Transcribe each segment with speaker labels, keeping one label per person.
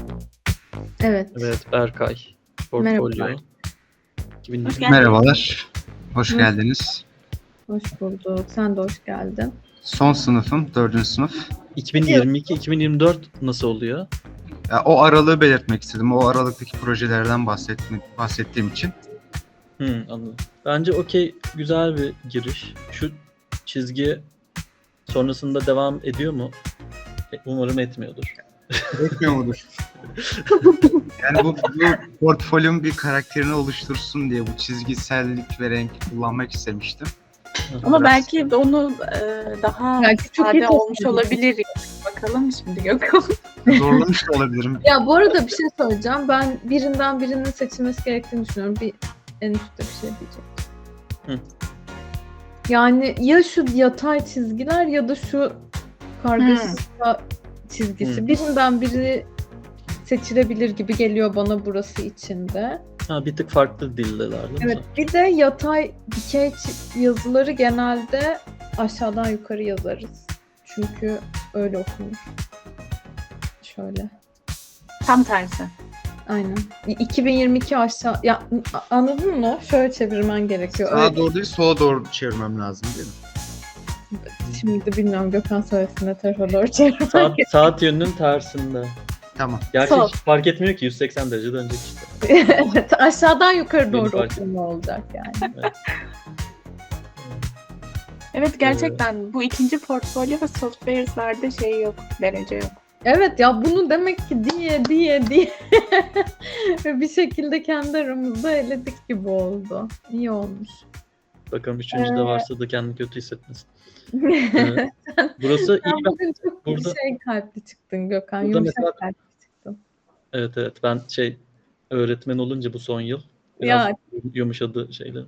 Speaker 1: Evet.
Speaker 2: Evet, Berkay. Portfolyo.
Speaker 1: Merhabalar.
Speaker 2: 2020.
Speaker 3: Merhabalar, hoş
Speaker 1: Hoş-
Speaker 3: geldiniz.
Speaker 1: Hoş bulduk. Sen de hoş geldin.
Speaker 3: Son sınıfım, 4. sınıf.
Speaker 2: 2022-2024 nasıl oluyor?
Speaker 3: Ya, o aralığı belirtmek istedim. O aralıktaki projelerden bahsettiğim için.
Speaker 2: Anladım. Bence okey, güzel bir giriş. Şu çizgi sonrasında devam ediyor mu? Umarım etmiyordur.
Speaker 3: Etmiyor mudur? Yani bu portfolyo'nun bir karakterini oluştursun diye bu çizgisellik ve renk kullanmak istemiştim.
Speaker 4: Ama
Speaker 3: Biraz-
Speaker 4: belki de onu daha
Speaker 1: Belki çok iyi
Speaker 4: sade olmuş
Speaker 1: tasarım.
Speaker 4: olabilir. Bakalım şimdi Gökhan.
Speaker 3: Zorlamış da olabilirim.
Speaker 1: Ya bu arada bir şey söyleyeceğim. Ben birinden birinin seçilmesi gerektiğini düşünüyorum. En üstte bir şey diyeceğim.
Speaker 2: Hı.
Speaker 1: Yani ya şu yatay çizgiler ya da şu kargaşa çizgisi.
Speaker 2: Hı.
Speaker 1: Birinden biri seçilebilir gibi geliyor bana burası içinde.
Speaker 2: Bir tık farklı dildeler değil mi?
Speaker 1: Evet, bir de yatay dikey yazıları genelde aşağıdan yukarı yazarız. Çünkü öyle okunur. Şöyle.
Speaker 4: Tam tersi.
Speaker 1: Aynen. 2022 aşağı... Ya anladın mı? Şöyle çevirmen gerekiyor.
Speaker 3: Sağa
Speaker 1: Öyle.
Speaker 3: doğru değil, sola doğru çevirmem lazım değil mi?
Speaker 1: Şimdi de bilmiyorum, Gökhan söylesin ne tarafa doğru çevirmen
Speaker 2: Saat yönünün tersinde.
Speaker 3: Tamam.
Speaker 2: Gerçi
Speaker 1: Sol.
Speaker 2: hiç fark etmiyor ki, 180 derece dönecek işte.
Speaker 1: Evet, aşağıdan yukarı
Speaker 2: Yeni
Speaker 1: doğru
Speaker 2: fark
Speaker 1: okunma olacak yani.
Speaker 4: Evet gerçekten bu ikinci portfolyo ve software'lerde şey yok. Derece yok.
Speaker 1: Evet ya, bunu demek ki diye ve bir şekilde kendi aramızda eledik gibi oldu. İyi olmuş.
Speaker 2: Bakalım üçüncüde varsa da kendini kötü hissetmesin. Evet. Burası
Speaker 1: Sen
Speaker 2: iyi.
Speaker 1: bugün çok
Speaker 2: Burada-
Speaker 1: kalpli çıktın Gökhan.
Speaker 2: Burada
Speaker 1: Yumuşak
Speaker 2: mesela-
Speaker 1: kalpli çıktın.
Speaker 2: Evet, ben öğretmen olunca bu son yıl biraz
Speaker 1: Ya.
Speaker 2: yumuşadı şeyler.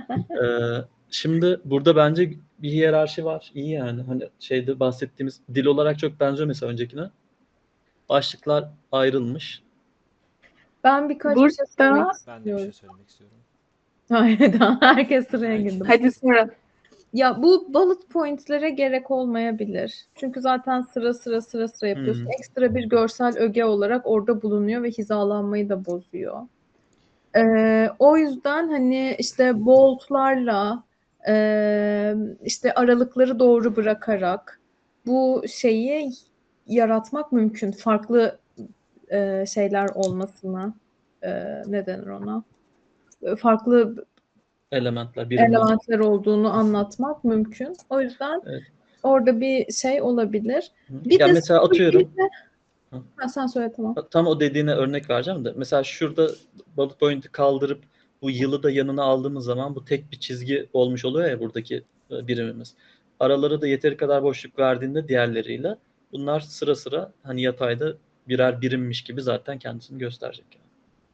Speaker 2: Şimdi burada bence bir hiyerarşi var. İyi yani. Hani bahsettiğimiz dil olarak çok benziyor mesela öncekine. Başlıklar ayrılmış.
Speaker 1: Ben birkaç
Speaker 4: Burada-
Speaker 1: bir şey söylemek
Speaker 5: Ben de bir şey
Speaker 1: istiyorum.
Speaker 5: söylemek istiyorum.
Speaker 1: Hayır, herkes sıraya girdi.
Speaker 4: Hadi sonra.
Speaker 1: Ya bu bullet point'lere gerek olmayabilir. Çünkü zaten sıra yapıyorsun. Ekstra bir görsel öge olarak orada bulunuyor ve hizalanmayı da bozuyor. O yüzden hani işte bold'larla işte aralıkları doğru bırakarak bu şeyi yaratmak mümkün. Farklı şeyler olmasına ne denir ona? Farklı
Speaker 2: Elementler, birimler.
Speaker 1: elementler olduğunu anlatmak mümkün. O yüzden
Speaker 2: Evet.
Speaker 1: orada bir şey olabilir.
Speaker 2: Ya mesela atıyorum.
Speaker 1: Sen söyle, tamam.
Speaker 2: Tam o dediğine örnek vereceğim de. Mesela şurada bullet point'i kaldırıp bu yılı da yanına aldığımız zaman bu tek bir çizgi olmuş oluyor ya buradaki birimimiz. Aralara da yeteri kadar boşluk verdiğinde diğerleriyle bunlar sıra sıra hani yatayda birer birimmiş gibi zaten kendisini gösterecek. Yani.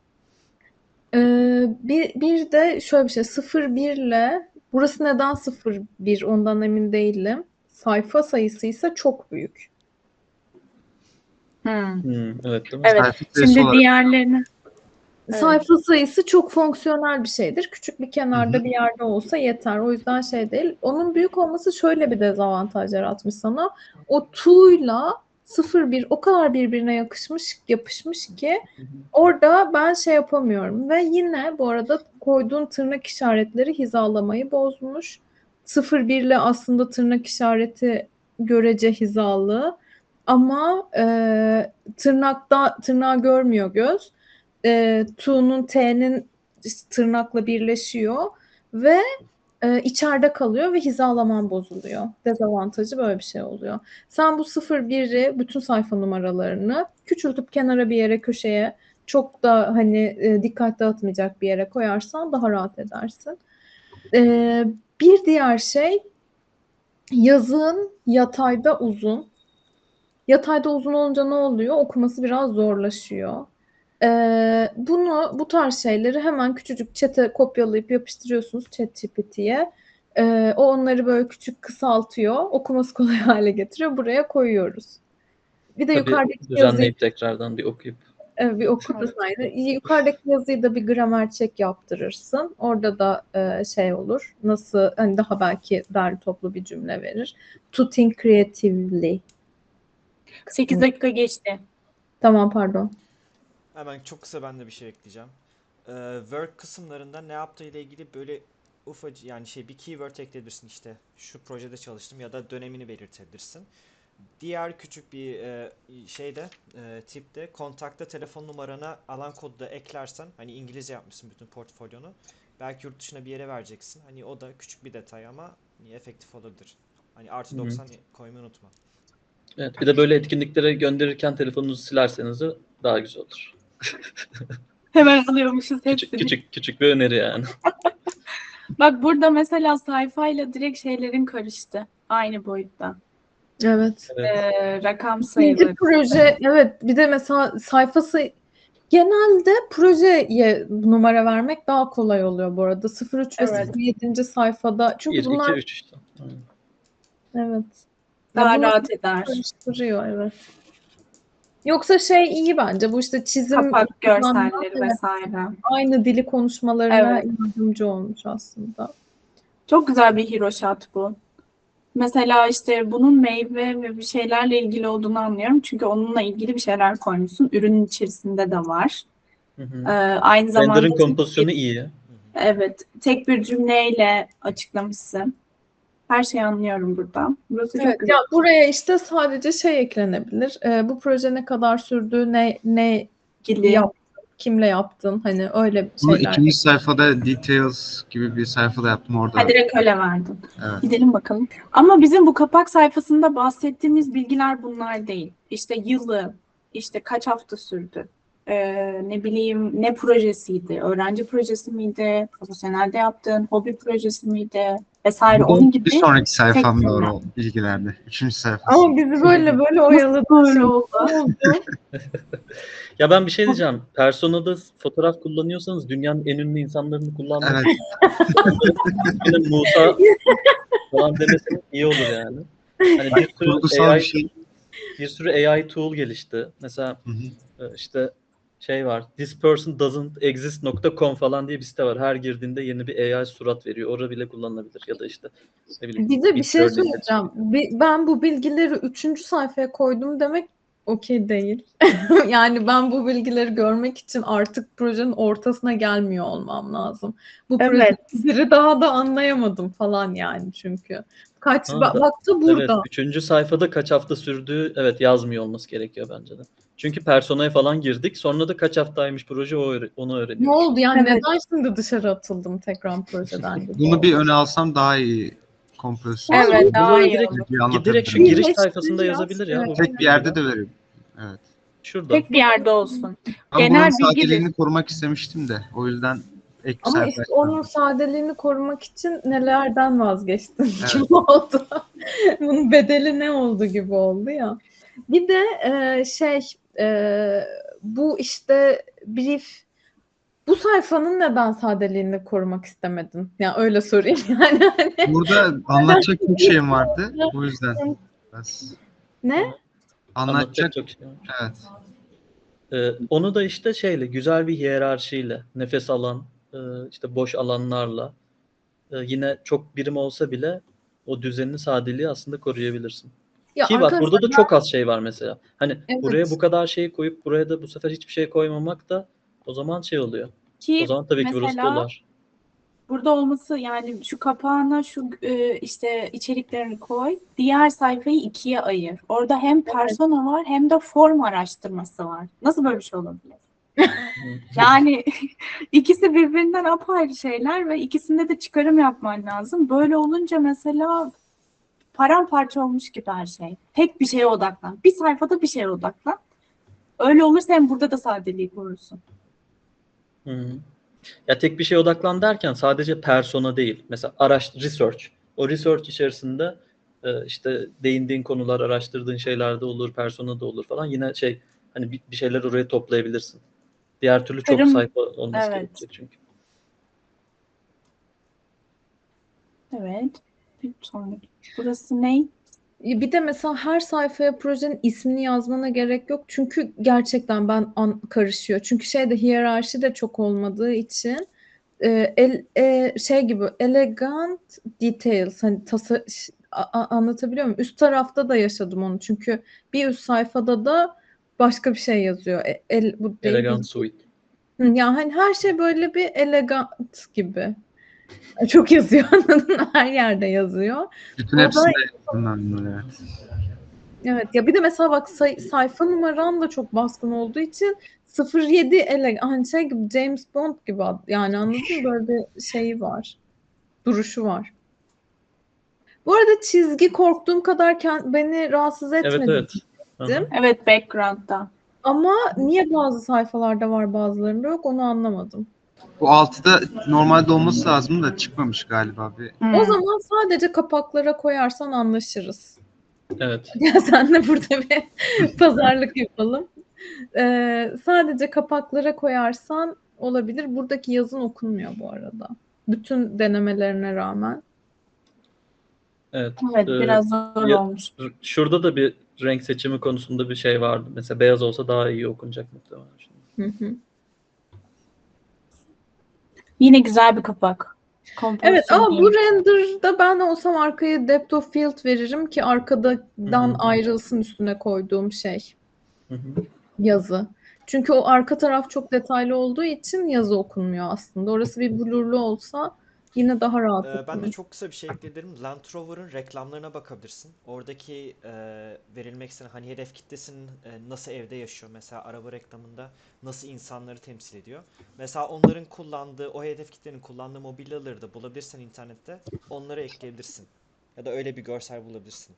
Speaker 1: Bir de şöyle bir şey, 0-1 ile burası neden 0-1 ondan emin değilim. Sayfa sayısı ise çok büyük.
Speaker 2: Evet, değil mi?
Speaker 4: Evet.
Speaker 3: Sayfa sayısı
Speaker 4: Şimdi
Speaker 3: olarak-
Speaker 4: diğerlerini. Evet.
Speaker 1: Sayfa sayısı çok fonksiyonel bir şeydir. Küçük bir kenarda bir yerde olsa yeter. O yüzden şey değil. Onun büyük olması şöyle bir dezavantaj yaratmış sana. O tuğla 0-1 o kadar birbirine yapışmış ki orada ben şey yapamıyorum. Ve yine bu arada koyduğun tırnak işaretleri hizalamayı bozmuş. 0-1 ile aslında tırnak işareti görece hizalı. Ama tırnağı görmüyor göz. Tu'nun T'nin tırnakla birleşiyor ve içeride kalıyor ve hizalaman bozuluyor. Dezavantajı böyle bir şey oluyor. Sen bu 0-1'i bütün sayfa numaralarını küçültüp kenara bir yere, köşeye, çok da hani dikkat dağıtmayacak bir yere koyarsan daha rahat edersin. Bir diğer şey, yazın yatayda uzun. Yatayda uzun olunca ne oluyor? Okuması biraz zorlaşıyor. Bu tarz şeyleri hemen küçücük chat'e kopyalayıp yapıştırıyorsunuz ChatGPT'ye. O onları böyle küçük kısaltıyor. Okuması kolay hale getiriyor. Buraya koyuyoruz. Bir de
Speaker 2: Tabii
Speaker 1: yukarıdaki yazıyı
Speaker 2: düzenleyip tekrardan bir okuyup.
Speaker 1: bir oku da saydı. Yukarıdaki yazıyı da bir gramer check yaptırırsın. Orada da şey olur. Nasıl, hani daha belki derli toplu bir cümle verir. To think creatively.
Speaker 4: 8 dakika geçti.
Speaker 1: Tamam, pardon.
Speaker 5: Hemen çok kısa ben de bir şey ekleyeceğim. Work kısımlarında ne yaptığı ile ilgili böyle ufacık yani bir keyword ekleyebilirsin işte şu projede çalıştım ya da dönemini belirtebilirsin. Diğer küçük bir tipte kontakta telefon numarana alan kodu da eklersen hani İngilizce yapmışsın bütün portfolyonu. Belki yurt dışına bir yere vereceksin. Hani o da küçük bir detay ama efektif olabilir. Hani artı 90 koymayı unutma.
Speaker 2: Evet, bir de böyle etkinliklere gönderirken telefonunuzu silerseniz de daha güzel olur.
Speaker 4: Hemen alıyormuşuz hepsini.
Speaker 2: Küçük bir öneri yani.
Speaker 4: Bak burada mesela sayfayla direkt şeylerin karıştı. Aynı boyutta.
Speaker 1: Evet.
Speaker 4: Rakam
Speaker 1: İkinci
Speaker 4: sayıları.
Speaker 1: proje, evet, bir de mesela sayfası genelde projeye numara vermek daha kolay oluyor bu arada. 03 ve
Speaker 4: Evet.
Speaker 1: 07. sayfada. Çünkü
Speaker 2: 1, 2,
Speaker 1: bunlar
Speaker 2: 3 işte. Aynen.
Speaker 1: evet.
Speaker 4: Daha
Speaker 1: bunlar
Speaker 4: rahat eder.
Speaker 1: karıştırıyor, evet. Yoksa iyi bence bu işte çizim
Speaker 4: Kapak
Speaker 1: kullanma,
Speaker 4: görselleri
Speaker 1: evet,
Speaker 4: vesaire.
Speaker 1: aynı dili konuşmalarına
Speaker 4: Evet.
Speaker 1: yardımcı olmuş aslında.
Speaker 4: Çok güzel bir hero shot bu. Mesela işte bunun meyve ve bir şeylerle ilgili olduğunu anlıyorum. Çünkü onunla ilgili bir şeyler koymuşsun. Ürünün içerisinde de var.
Speaker 2: Hı hı.
Speaker 4: Aynı zamanda
Speaker 2: Render'ın kompozisyonu iyi.
Speaker 4: evet, tek bir cümleyle açıklamışsın. Her şeyi anlıyorum burada. Burası çok
Speaker 1: Evet,
Speaker 4: güzel.
Speaker 1: ya buraya işte sadece eklenebilir. Bu proje ne kadar sürdü, ne
Speaker 4: İlgili.
Speaker 1: yaptın, kimle yaptın, hani öyle
Speaker 3: Bunu
Speaker 1: şeyler.
Speaker 3: ikinci sayfada details gibi bir sayfada yaptım orada.
Speaker 4: Ha, direkt öyle verdim.
Speaker 3: Evet.
Speaker 4: Gidelim bakalım. Ama bizim bu kapak sayfasında bahsettiğimiz bilgiler bunlar değil. İşte yılı, işte kaç hafta sürdü, ne bileyim ne projesiydi, öğrenci projesi miydi, profesyonelde yaptığın hobi projesi miydi vesaire onun gibi.
Speaker 3: Bir sonraki sayfam
Speaker 4: tek
Speaker 3: doğru
Speaker 4: cümle.
Speaker 3: o bilgilerde. Üçüncü sayfası.
Speaker 1: Ama bizi böyle oyaladı.
Speaker 4: Böyle oldu.
Speaker 1: Ne oldu?
Speaker 2: Ya ben bir şey diyeceğim. Persona'da fotoğraf kullanıyorsanız dünyanın en ünlü insanlarını kullanmayın.
Speaker 3: Evet.
Speaker 2: Benim Musa falan demeseniz iyi olur yani. Hani
Speaker 3: Kurgusal bir şey.
Speaker 2: bir sürü AI tool gelişti. Mesela
Speaker 3: Hı hı.
Speaker 2: işte var. thispersondoesn'texist.com falan diye bir site var. Her girdiğinde yeni bir AI surat veriyor. Orada bile kullanılabilir. Ya da işte ne bileyim.
Speaker 1: Bir de bir şey
Speaker 2: Midjourney
Speaker 1: söyleyeceğim. Ben bu bilgileri 3. sayfaya koydum demek okey değil. Yani ben bu bilgileri görmek için artık projenin ortasına gelmiyor olmam lazım. Bu
Speaker 4: Evet.
Speaker 1: projeleri daha da anlayamadım falan yani çünkü. Baktı burada.
Speaker 2: Evet, 3. sayfada kaç hafta sürdüğü yazmıyor olması gerekiyor bence de. Çünkü personaya falan girdik. Sonra da kaç haftaymış proje onu
Speaker 1: Ne
Speaker 2: öğreniyoruz.
Speaker 1: oldu yani
Speaker 4: Evet.
Speaker 1: neden şimdi dışarı atıldım tekrar projeden gibi
Speaker 3: Bunu bir
Speaker 1: oldu.
Speaker 3: öne alsam daha iyi kompozisyon.
Speaker 4: Evet,
Speaker 2: Bunu
Speaker 4: daha iyi
Speaker 2: direkt,
Speaker 4: olur.
Speaker 3: Bir anlatabilirim.
Speaker 2: direkt şu
Speaker 1: Bir
Speaker 2: giriş
Speaker 1: de
Speaker 2: sayfasında
Speaker 1: biraz,
Speaker 2: yazabilir ya.
Speaker 1: evet.
Speaker 3: Tek bir yerde de veririm. Evet.
Speaker 2: Şurada.
Speaker 4: Tek bir yerde olsun.
Speaker 3: Ben
Speaker 4: Genel
Speaker 3: buranın
Speaker 4: bilgi
Speaker 3: sadeliğini korumak istemiştim de. O yüzden ek bir
Speaker 1: Ama
Speaker 3: sayfa
Speaker 1: işte
Speaker 3: açtım.
Speaker 1: onun sadeliğini korumak için nelerden vazgeçtin
Speaker 3: Evet.
Speaker 1: gibi oldu. Bunun bedeli ne oldu gibi oldu ya. Bir de bu işte brief, bu sayfanın neden sadeliğini korumak istemedin? Yani öyle sorayım yani. Hani,
Speaker 3: Burada anlatacak çok şeyim vardı. O yüzden biraz
Speaker 1: ne?
Speaker 3: anlatacak.
Speaker 2: çok şey var.
Speaker 3: Evet.
Speaker 2: Onu da işte güzel bir hiyerarşiyle, nefes alan, işte boş alanlarla, yine çok birim olsa bile o düzenini, sadeliği aslında koruyabilirsin.
Speaker 1: Ya
Speaker 2: Ki bak
Speaker 1: arkadaşlar,
Speaker 2: burada da çok az şey var mesela. Hani
Speaker 1: evet.
Speaker 2: buraya bu kadar şey koyup buraya da bu sefer hiçbir şey koymamak da o zaman oluyor. O
Speaker 4: Ki
Speaker 2: zaman tabii ki burası
Speaker 4: mesela
Speaker 2: dolar.
Speaker 4: burada olması yani şu kapağına şu işte içeriklerini koy. Diğer sayfayı ikiye ayır. Orada hem persona var hem de form araştırması var. Nasıl böyle bir şey olabilir? Yani ikisi birbirinden apayrı şeyler ve ikisinde de çıkarım yapman lazım. Böyle olunca mesela paramparça olmuş gibi her şey. Tek bir şeye odaklan. Bir sayfada bir şeye odaklan. Öyle olursa hem burada da sadeliği korursun.
Speaker 2: Hı. Ya tek bir şeye odaklan derken sadece persona değil. Mesela research. O research içerisinde işte değindiğin konular, araştırdığın şeyler de olur, persona da olur falan. Yine hani bir şeyler oraya toplayabilirsin. Diğer türlü çok
Speaker 4: Çıkarım,
Speaker 2: sayfa olması
Speaker 4: evet.
Speaker 2: gerekecek çünkü.
Speaker 4: Evet. Bir sonraki. Burası ne?
Speaker 1: Bir de mesela her sayfaya projenin ismini yazmana gerek yok. Çünkü gerçekten karışıyor. Çünkü hiyerarşi de çok olmadığı için gibi elegant details, hani anlatabiliyor muyum? Üst tarafta da yaşadım onu. Çünkü bir üst sayfada da başka bir şey yazıyor. Bu değil.
Speaker 2: Elegant suite.
Speaker 1: Ya hani her şey böyle bir elegant gibi. Çok yazıyor anladın mı? Her yerde yazıyor.
Speaker 3: Bütün
Speaker 1: Burada
Speaker 3: hepsinde bundan evet.
Speaker 1: evet ya bir de mesela bak sayfa numaran da çok baskın olduğu için 07 hani şey gibi James Bond gibi yani anladın mı? Böyle bir şeyi var. Duruşu var. Bu arada çizgi korktuğum kadar beni rahatsız
Speaker 2: Evet,
Speaker 1: etmedi.
Speaker 2: evet. Aha.
Speaker 4: Evet, background'da.
Speaker 1: Ama niye bazı sayfalarda var bazılarında yok onu anlamadım.
Speaker 3: Bu 6'da normalde olması lazım da çıkmamış galiba bir.
Speaker 1: O zaman sadece kapaklara koyarsan anlaşırız.
Speaker 2: Evet.
Speaker 1: Ya sen de burada bir pazarlık yapalım. Sadece kapaklara koyarsan olabilir. Buradaki yazın okunmuyor bu arada. Bütün denemelerine rağmen.
Speaker 2: Evet.
Speaker 4: Evet, biraz zor
Speaker 2: ya-
Speaker 4: olmuş.
Speaker 2: Şurada da bir renk seçimi konusunda bir şey vardı. Mesela beyaz olsa daha iyi okunacak muhtemelen.
Speaker 1: Hı hı.
Speaker 4: Yine güzel bir kapak.
Speaker 1: Evet
Speaker 4: Kompozisyon
Speaker 1: ama bu
Speaker 4: iyi.
Speaker 1: render'da ben olsam arkaya depth of field veririm ki arkadan ayrılsın üstüne koyduğum şey.
Speaker 2: Hı hı.
Speaker 1: Yazı. Çünkü o arka taraf çok detaylı olduğu için yazı okunmuyor aslında. Orası bir blurlu olsa yine daha rahat
Speaker 5: Ben de
Speaker 1: okunur.
Speaker 5: çok kısa bir şey ekleyebilirim. Land Rover'ın reklamlarına bakabilirsin. Oradaki verilmek istenen hani hedef kitlesinin nasıl evde yaşıyor. Mesela araba reklamında nasıl insanları temsil ediyor. Mesela onların kullandığı, o hedef kitlenin kullandığı mobilyaları da bulabilirsen internette onları ekleyebilirsin. Ya da öyle bir görsel bulabilirsin.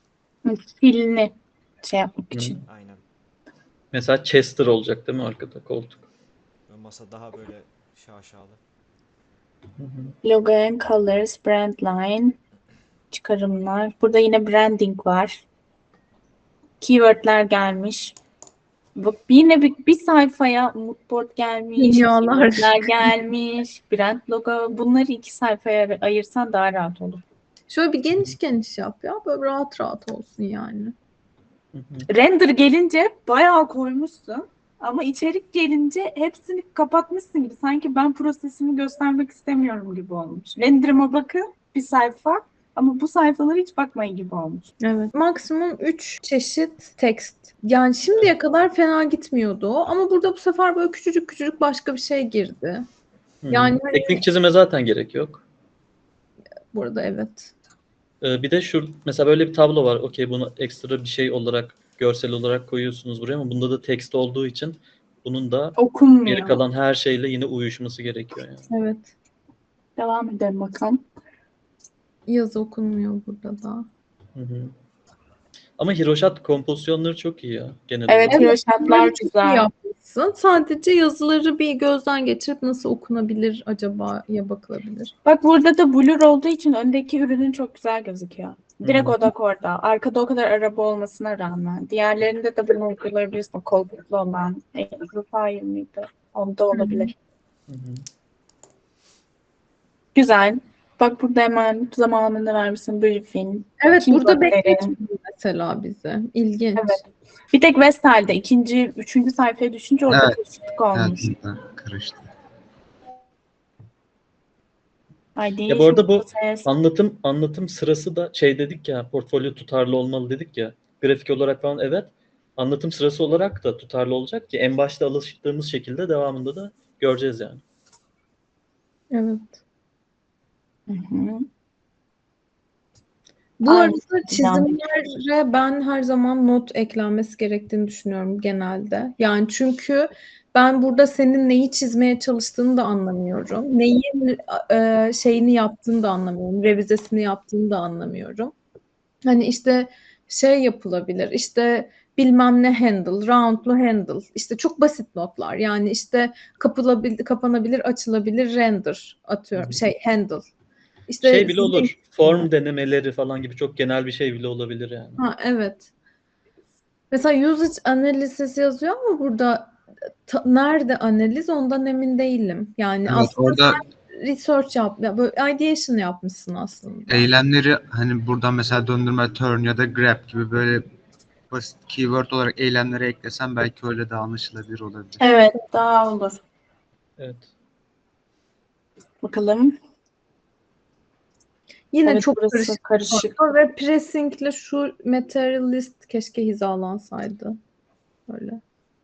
Speaker 4: Filini şey yapmak
Speaker 2: Hı.
Speaker 4: için.
Speaker 5: Aynen.
Speaker 2: Mesela Chester olacak değil mi arkada koltuk?
Speaker 5: Ve masa daha böyle şaşalı.
Speaker 2: Hı hı.
Speaker 4: Logo and colors, brand line, çıkarımlar. Burada yine branding var. Keywordler gelmiş. Bak yine bir sayfaya moodboard gelmiş,
Speaker 1: Dünyalar.
Speaker 4: keywordler gelmiş, brand logo. Bunları 2 sayfaya ayırsan daha rahat olur.
Speaker 1: Şöyle bir geniş geniş yap ya. Böyle rahat rahat olsun yani.
Speaker 2: Hı hı.
Speaker 4: Render gelince bayağı koymuşsun. Ama içerik gelince hepsini kapatmışsın gibi. Sanki ben prosesimi göstermek istemiyorum gibi olmuş. Render'ıma bakın bir sayfa ama bu sayfalara hiç bakmayın gibi olmuş.
Speaker 1: Evet. Maksimum 3 çeşit text. Yani şimdiye kadar fena gitmiyordu o. Ama burada bu sefer böyle küçücük küçücük başka bir şey girdi.
Speaker 2: Hı hı.
Speaker 1: Yani hani
Speaker 2: Teknik çizime zaten gerek yok.
Speaker 1: burada evet.
Speaker 2: Bir de mesela böyle bir tablo var. Okey, bunu ekstra bir şey olarak, görsel olarak koyuyorsunuz buraya ama bunda da text olduğu için bunun da geri
Speaker 4: Okunmuyor.
Speaker 2: kalan her şeyle yine uyuşması gerekiyor yani.
Speaker 1: Evet.
Speaker 4: Devam edelim bakalım.
Speaker 1: Yazı okunmuyor burada da.
Speaker 2: Hı hı. Ama Hiroşat kompozisyonları çok iyi ya genel
Speaker 4: Evet,
Speaker 2: olarak.
Speaker 4: Hiroşatlar
Speaker 1: Bunları çok iyi
Speaker 4: güzel.
Speaker 1: yapmışsın. Sadece yazıları bir gözden geçirip nasıl okunabilir acaba'ya bakılabilir.
Speaker 4: Bak burada da blur olduğu için öndeki ürünün çok güzel gözüküyor. Direkt
Speaker 2: Hı hı.
Speaker 4: odak orada. Arkada o kadar araba olmasına rağmen. Diğerlerinde de bunu uygulayabilirsin. Koltuklu olan. Amplifier mıydı? Onda olabilir.
Speaker 2: Hı hı.
Speaker 4: Güzel. Bak burada hemen zamanını vermişsin briefing.
Speaker 1: Evet burada
Speaker 4: Keywordleri.
Speaker 1: bekletmiyor mesela bize. İlginç.
Speaker 4: Evet. Bir tek Vestel'de üçüncü sayfaya düşünce orada
Speaker 3: Evet.
Speaker 4: karışıklık olmuş.
Speaker 3: Evet, burada karıştı.
Speaker 4: Ay
Speaker 2: Ya bu arada bu
Speaker 4: ses.
Speaker 2: anlatım sırası da şey dedik ya, portfolyo tutarlı olmalı dedik ya. Grafik olarak falan evet. Anlatım sırası olarak da tutarlı olacak ki en başta alıştığımız şekilde devamında da göreceğiz yani.
Speaker 1: Evet.
Speaker 4: Hı hı.
Speaker 1: Bu
Speaker 4: Aynı
Speaker 1: arada çizimlere ben her zaman not eklenmesi gerektiğini düşünüyorum genelde. Yani çünkü ben burada senin neyi çizmeye çalıştığını da anlamıyorum. Neyin şeyini yaptığını da anlamıyorum. Revizesini yaptığını da anlamıyorum. Hani işte şey yapılabilir. İşte bilmem ne handle, roundlu handle. İşte çok basit notlar. Yani işte kapanabilir, açılabilir render atıyorum. Handle. İşte
Speaker 2: Şey bile
Speaker 1: sizin
Speaker 2: olur. Form denemeleri falan gibi çok genel bir şey bile olabilir yani.
Speaker 1: evet. Mesela usage analysis yazıyor ama burada nerede analiz ondan emin değilim. Yani
Speaker 3: Evet,
Speaker 1: aslında
Speaker 3: orada
Speaker 1: research böyle ideation yapmışsın aslında.
Speaker 3: eylemleri hani buradan mesela döndürme, turn ya da grab gibi böyle basit keyword olarak eylemleri eklesem belki öyle de anlaşılabilir olabilir.
Speaker 4: Evet, daha olur.
Speaker 2: Evet.
Speaker 4: Bakalım.
Speaker 1: Yine
Speaker 4: Evet,
Speaker 1: çok
Speaker 4: burası karışık.
Speaker 1: ve pressingle şu materialist keşke hizalansaydı. Öyle.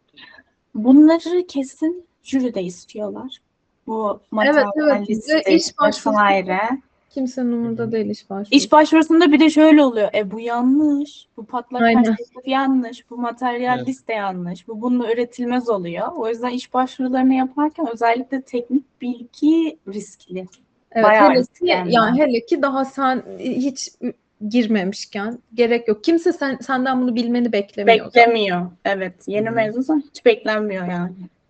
Speaker 4: Bunları kesin jüride istiyorlar. Bu
Speaker 1: Evet.
Speaker 4: materyal
Speaker 1: Ve
Speaker 4: liste
Speaker 1: iş başvurusu
Speaker 4: vesaire.
Speaker 1: kimsenin umurunda
Speaker 2: Hı hı.
Speaker 1: değil iş başvurusu.
Speaker 4: İş başvurusunda bir de şöyle oluyor. Bu yanlış. Bu patlak
Speaker 1: Aynen.
Speaker 4: perspektif yanlış. Bu materyal
Speaker 2: Evet.
Speaker 4: liste yanlış. Bu bununla üretilmez oluyor. O yüzden iş başvurularını yaparken özellikle teknik bilgi riskli.
Speaker 1: Evet,
Speaker 4: Bayağı
Speaker 1: hele
Speaker 4: riskli
Speaker 1: ki
Speaker 4: hem de.
Speaker 1: yani hele ki daha sen hiç girmemişken gerek yok. Kimse senden bunu bilmeni beklemiyor zaten.
Speaker 4: Beklemiyor. Evet. Yeni
Speaker 2: Hı.
Speaker 4: mezunsan hiç beklenmiyor yani.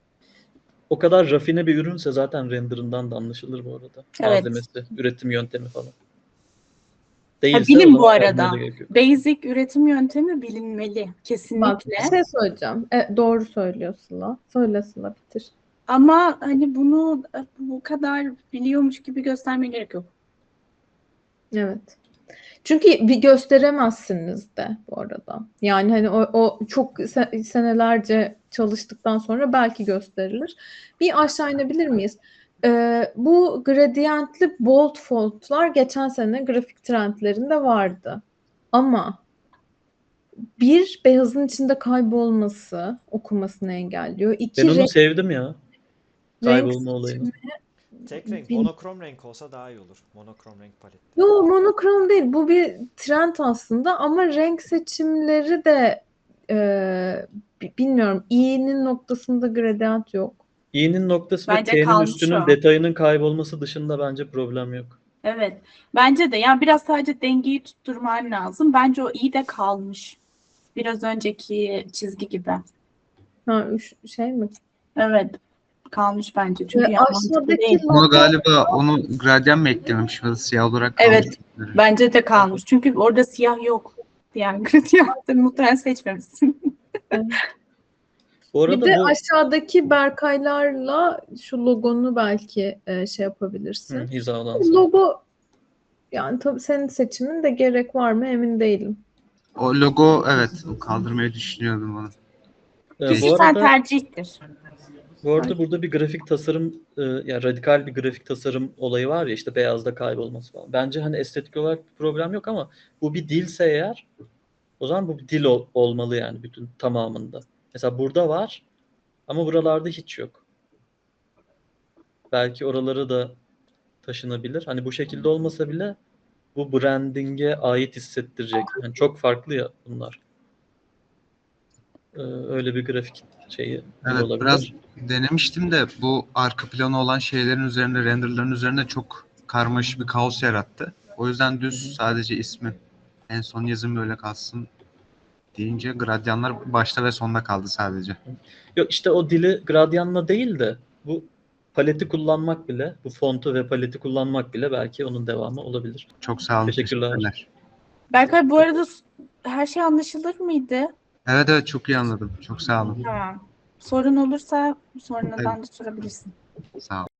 Speaker 2: O kadar rafine bir ürünse zaten renderından da anlaşılır bu arada.
Speaker 4: Evet.
Speaker 2: Malzemesi, üretim yöntemi falan.
Speaker 4: Ha,
Speaker 2: Değilse o
Speaker 4: bilin bu
Speaker 2: zaman
Speaker 4: arada.
Speaker 2: yazmaya da gerek yok.
Speaker 4: Basic üretim yöntemi bilinmeli.
Speaker 1: Bak
Speaker 4: Kesinlikle.
Speaker 1: bir şey söyleyeceğim. Doğru söylüyor Sıla. Söyle Sıla, bitir.
Speaker 4: Ama hani bunu bu kadar biliyormuş gibi göstermeye gerek yok.
Speaker 1: Evet. Çünkü bir gösteremezsiniz de bu arada. Yani hani o çok senelerce çalıştıktan sonra belki gösterilir. Bir aşağı inebilir miyiz? Bu gradientli bold fontlar geçen sene grafik trendlerinde vardı. Ama bir, beyazın içinde kaybolması okumasını engelliyor.
Speaker 2: Ben
Speaker 1: İki,
Speaker 2: onu sevdim ya.
Speaker 1: renk
Speaker 2: Kaybolma olayını.
Speaker 5: Tek renk,
Speaker 1: bil-
Speaker 5: monokrom renk olsa daha iyi olur. Monokrom renk palette.
Speaker 1: Yo, monokrom değil. Bu bir trend aslında ama renk seçimleri de bilmiyorum. İ'nin noktasında gradient yok.
Speaker 2: İ'nin noktası ve
Speaker 4: Bence
Speaker 2: T'nin
Speaker 4: kalmış
Speaker 2: üstünün
Speaker 4: o.
Speaker 2: detayının kaybolması dışında bence problem yok.
Speaker 4: Evet. Bence de. Yani biraz sadece dengeyi tutturman lazım. Bence o iyi de kalmış. Biraz önceki çizgi gibi.
Speaker 1: Ha, şey mi?
Speaker 4: Evet. Kalmış bence. Çünkü mantıklı
Speaker 1: Aşağıdaki
Speaker 4: değil.
Speaker 3: Ama
Speaker 1: logo
Speaker 3: galiba onu gradyan mı eklememiş ya da siyah olarak kalmış.
Speaker 4: Evet. Bence de kalmış. Çünkü orada siyah yok. Diğer gradiyantı muhtemelen seçmemişsin.
Speaker 2: Bu
Speaker 1: bir
Speaker 2: arada
Speaker 1: de
Speaker 2: bu
Speaker 1: aşağıdaki Berkaylarla şu logonu belki şey yapabilirsin.
Speaker 2: hizalansın.
Speaker 1: Logo yani tabii senin seçimin de gerek var mı emin değilim.
Speaker 3: O logo evet kaldırmayı düşünüyordum onu.
Speaker 2: Bu
Speaker 4: Kişisel
Speaker 2: arada
Speaker 4: tercihtir.
Speaker 2: burada bir grafik tasarım yani radikal bir grafik tasarım olayı var ya, işte beyazda kaybolması falan. Bence hani estetik olarak bir problem yok ama bu bir dilse eğer, o zaman bu bir dil olmalı yani bütün tamamında. Mesela burada var ama buralarda hiç yok. Belki oraları da taşınabilir. Hani bu şekilde olmasa bile bu branding'e ait hissettirecek. Yani çok farklı ya bunlar. Öyle bir grafik şeyi
Speaker 3: Evet biraz
Speaker 2: olabilir.
Speaker 3: denemiştim de bu arka planı olan şeylerin üzerinde renderların üzerinde çok karmaşık bir kaos yarattı. O yüzden düz sadece ismi en son yazım böyle kalsın deyince gradyanlar başta ve sonda kaldı sadece.
Speaker 2: Yok işte o dili gradyanla değil de bu paleti kullanmak bile, bu fontu ve paleti kullanmak bile belki onun devamı olabilir.
Speaker 3: Çok sağ olun.
Speaker 2: Teşekkürler.
Speaker 3: Teşekkürler.
Speaker 4: Berkay bu arada her şey anlaşılır mıydı?
Speaker 3: Evet evet çok iyi anladım. Çok sağ olun.
Speaker 4: Tamam. Sorun olursa sonradan da sorabilirsin.
Speaker 3: Sağ olun.